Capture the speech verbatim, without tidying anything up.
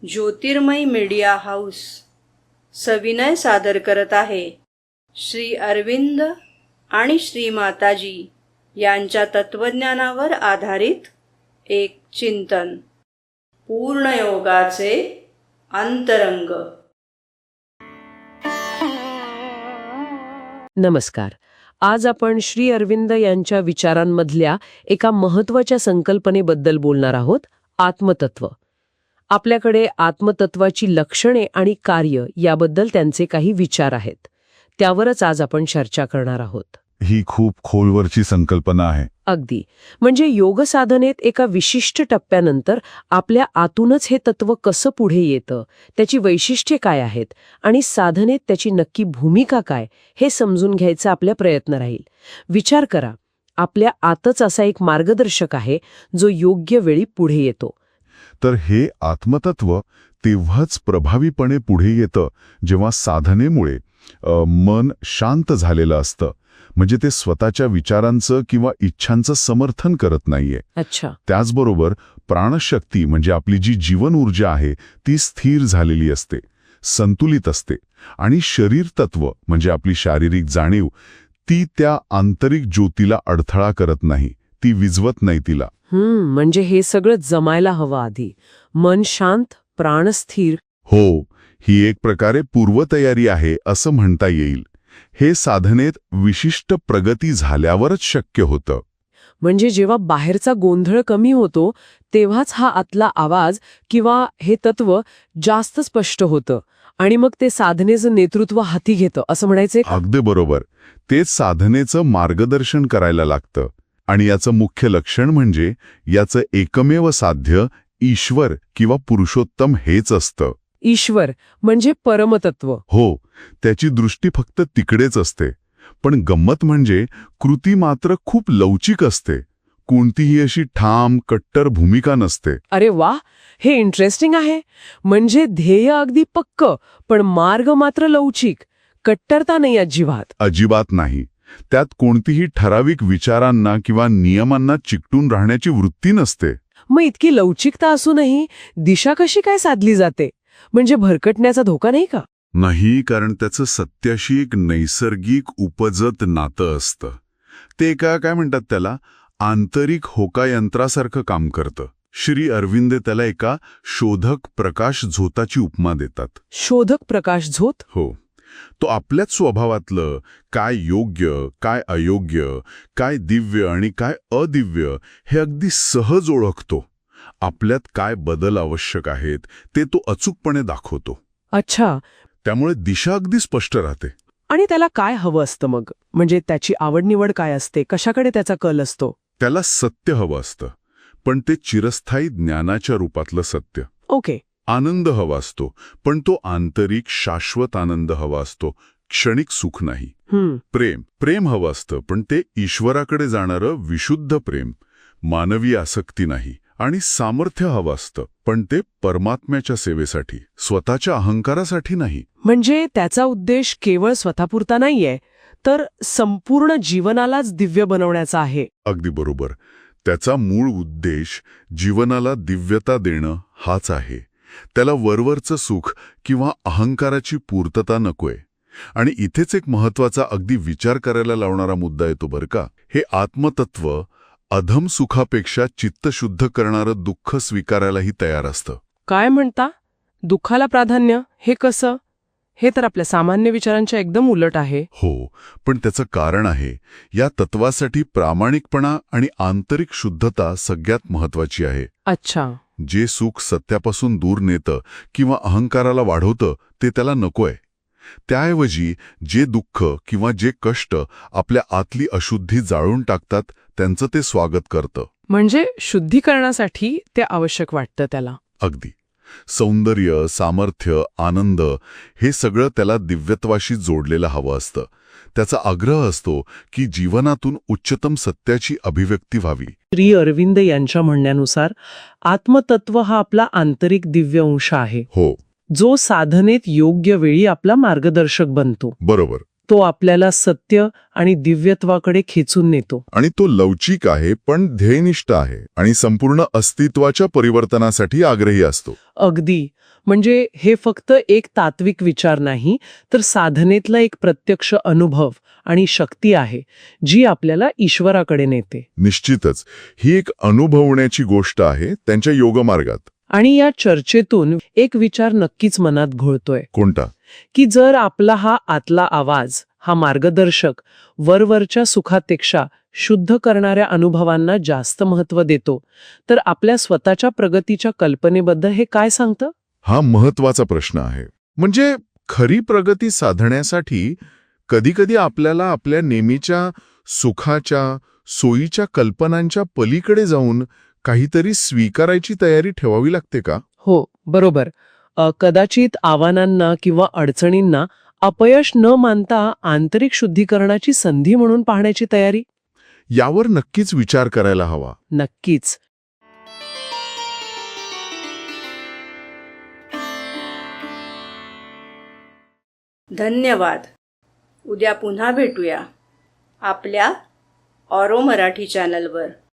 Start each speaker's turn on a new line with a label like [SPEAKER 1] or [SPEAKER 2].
[SPEAKER 1] ज्योतिर्मय media house सविनय सादर करत आहे श्री अरविंद आणि श्री माताजी यांच्या तत्वज्ञानावर आधारित एक चिंतन, पूर्णयोगाचे अंतरंग.
[SPEAKER 2] नमस्कार. आज आपण श्री अरविंद यांच्या विचारांमधल्या एका महत्त्वाच्या संकल्पनेबद्दल बोलणार आहोत, आत्मतत्व. आपल्याकडे आत्मतत्वाची लक्षणे आणि कार्य याबद्दल त्यांचे काही विचार आहेत. त्यावरच आज आपण चर्चा करणार आहोत.
[SPEAKER 3] ही खूप खोलवरची संकल्पना आहे.
[SPEAKER 2] अगदी. म्हणजे योग साधनेत एका विशिष्ट टप्प्यानंतर आपल्या आतूनच हे तत्व कसं पुढे येतं, त्याची वैशिष्ट्ये काय आहेत आणि साधनेत त्याची नक्की भूमिका काय, हे समजून घ्यायचा आपला प्रयत्न राहील. विचार करा, आपल्या आतच असा एक मार्गदर्शक आहे जो योग्य वेळी पुढे येतो.
[SPEAKER 3] तर हे आत्मतत्व तेव्हाच प्रभावीपणे पुढे येतं जेव्हा साधनेमुळे अ, मन शांत झालेलं असतं. म्हणजे ते स्वतःच्या विचारांचं किंवा इच्छांचं समर्थन करत नाहीये.
[SPEAKER 2] अच्छा.
[SPEAKER 3] त्याचबरोबर प्राणशक्ती म्हणजे आपली जी जीवन ऊर्जा आहे ती स्थिर झालेली असते, संतुलित असते. आणि शरीर तत्व म्हणजे आपली शारीरिक जाणीव ती त्या आंतरिक ज्योतीला अडथळा करत नाही, ती विझवत नाही तिला.
[SPEAKER 2] हम्म म्हणजे हे सगळं जमायला हवं आधी. मन शांत, प्राण स्थिर.
[SPEAKER 3] हो, ही एक प्रकारे पूर्वतयारी आहे असं म्हणता येईल. हे साधनेत विशिष्ट प्रगती झाल्यावरच शक्य होतं.
[SPEAKER 2] म्हणजे जेव्हा बाहेरचा गोंधळ कमी होतो तेव्हाच हा आतला आवाज किंवा हे तत्व जास्त स्पष्ट होतं आणि मग ते साधनेचं नेतृत्व हाती घेतं असं म्हणायचंय का?
[SPEAKER 3] अगदी बरोबर. तेच साधनेचं मार्गदर्शन करायला लागतं. आणि याचं मुख्य लक्षण म्हणजे याचं एकमेव साध्य ईश्वर किंवा पुरुषोत्तम हेच असतं.
[SPEAKER 2] ईश्वर म्हणजे परमतत्व.
[SPEAKER 3] हो, त्याची दृष्टी फक्त तिकडेच असते. पण गंमत म्हणजे कृती मात्र खूप लवचिक असते. कोणतीही अशी ठाम कट्टर भूमिका नसते.
[SPEAKER 2] अरे वा, हे इंटरेस्टिंग आहे. म्हणजे ध्येय अगदी पक्क, पण मार्ग मात्र लवचिक. कट्टरता नाही अजिबात.
[SPEAKER 3] अजिबात नाही. त्यात कोणतीही ठराविक विचारांना किंवा नियमांना चिकटून राहण्याची वृत्ती नसते.
[SPEAKER 2] मग इतकी लवचिकता असूनही दिशा कशी काय साधली जाते? म्हणजे भरकटण्याचा धोका नाही का?
[SPEAKER 3] नाही, कारण त्याचं सत्याशी एक नैसर्गिक उपजत नातं असतं. ते एका काय म्हणतात त्याला आंतरिक होकायंत्रासारखं काम करतं. श्री अरविंद त्याला एका शोधक प्रकाश झोताची उपमा देतात.
[SPEAKER 2] शोधक प्रकाश झोत?
[SPEAKER 3] हो. तो आपल्याच स्वभावातलं काय योग्य, काय अयोग्य, काय दिव्य आणि काय अदिव्य हे अगदी सहज ओळखतो. आपल्यात काय बदल आवश्यक आहेत ते तो अचूकपणे दाखवतो.
[SPEAKER 2] अच्छा.
[SPEAKER 3] त्यामुळे दिशा अगदी स्पष्ट राहते.
[SPEAKER 2] आणि त्याला काय हवं असतं मग? म्हणजे त्याची आवड-निवड काय असते? कशाकडे त्याचा कल असतो?
[SPEAKER 3] त्याला सत्य हवं असतं, पण ते चिरस्थायी ज्ञानाच्या रूपातलं सत्य.
[SPEAKER 2] ओके.
[SPEAKER 3] आनंद हवा असतो, पण तो आंतरिक शाश्वत आनंद हवा असतो, क्षणिक सुख नाही.
[SPEAKER 2] हम्म
[SPEAKER 3] प्रेम प्रेम हवं असतं, पण ते ईश्वराकडे जाणारं विशुद्ध प्रेम, मानवी आसक्ती नाही. आणि सामर्थ्य हवं असतं, पण ते परमात्म्याच्या सेवेसाठी, स्वतःच्या अहंकारासाठी नाही.
[SPEAKER 2] म्हणजे त्याचा उद्देश केवळ स्वतःपुरता नाहीये, तर संपूर्ण जीवनालाच दिव्य बनवण्याचा आहे.
[SPEAKER 3] अगदी बरोबर. त्याचा मूळ उद्देश जीवनाला दिव्यता देणं हाच आहे. त्याला वरवरचं सुख किंवा अहंकाराची पूर्तता नकोय. आणि इथेच एक महत्वाचा अगदी विचार करायला लावणारा मुद्दा येतो बरं का. हे आत्मतत्व अधम सुखापेक्षा चित्तशुद्ध करणारं दुःख स्वीकारायलाही तयार असतं.
[SPEAKER 2] काय म्हणता? दुःखाला प्राधान्य? हे कसं? हे तर आपल्या सामान्य विचारांच्या एकदम उलट आहे.
[SPEAKER 3] हो, पण त्याचं कारण आहे. या तत्वासाठी प्रामाणिकपणा आणि आंतरिक शुद्धता सगळ्यात महत्वाची आहे.
[SPEAKER 2] अच्छा.
[SPEAKER 3] जे सुख सत्यापासून दूर नेतं किंवा अहंकाराला वाढवतं ते त्याला नकोय. त्याऐवजी जे दुःख किंवा जे कष्ट आपल्या आतली अशुद्धी जाळून टाकतात त्यांचं ते स्वागत करतं.
[SPEAKER 2] म्हणजे शुद्धीकरणासाठी ते आवश्यक वाटतं त्याला.
[SPEAKER 3] अगदी. सौंदर्य, सामर्थ्य, आनंद हे सगळं त्याला दिव्यत्वाशी जोडलेलं हवं असतं. त्याचा आग्रह असतो की जीवनातून उच्चतम सत्याची अभिव्यक्ती व्हावी.
[SPEAKER 2] श्री अरविंद यांच्या म्हणण्यानुसार आत्मतत्व हा आपला आंतरिक दिव्य अंश आहे.
[SPEAKER 3] हो.
[SPEAKER 2] जो साधनेत योग्य वेळी आपला मार्गदर्शक बनतो.
[SPEAKER 3] बरोबर.
[SPEAKER 2] तो आपल्याला सत्य आणि दिव्यत्वाकडे खेचून नेतो.
[SPEAKER 3] आणि तो लवचिक आहे, पण ध्येयनिष्ठ आहे आणि संपूर्ण अस्तित्वाच्या परिवर्तनासाठी आग्रही असतो.
[SPEAKER 2] अगदी. म्हणजे हे फक्त एक तात्विक विचार नाही, तर साधनेतला एक प्रत्यक्ष अनुभव आणि शक्ती आहे, जी आपल्याला ईश्वराकडे नेते.
[SPEAKER 3] निश्चितच ही एक अनुभवण्याची गोष्ट आहे त्यांच्या योगमार्गात.
[SPEAKER 2] आणि या चर्चेतून एक विचार नक्कीच मनात घोळतोय,
[SPEAKER 3] कोणता?
[SPEAKER 2] की जर आपला हा आतला आवाज, हा मार्गदर्शक वरवरच्या सुखापेक्षा शुद्ध करणाऱ्या अनुभवांना जास्त महत्त्व देतो, तर आपल्या स्वतःच्या प्रगतीच्या कल्पनेबद्दल हे काय सांगतं?
[SPEAKER 3] हा महत्वाचा प्रश्न आहे. म्हणजे खरी प्रगती साधण्यासाठी कधीकधी आपल्याला आपल्या नेहमीच्या सुखाच्या, सोयीच्या कल्पनांच्या पलीकडे जाऊन काहीतरी स्वीकारायची तयारी ठेवावी लागते का?
[SPEAKER 2] हो, बरोबर. अ, कदाचित आव्हानांना किंवा अडचणींना अपयश न मानता आंतरिक शुद्धीकरणाची संधी म्हणून पाहण्याची तयारी.
[SPEAKER 3] यावर नक्कीच विचार करायला हवा.
[SPEAKER 2] नक्कीच.
[SPEAKER 1] धन्यवाद. उद्या पुन्हा भेटूया आपल्या ऑरो मराठी चॅनलवर.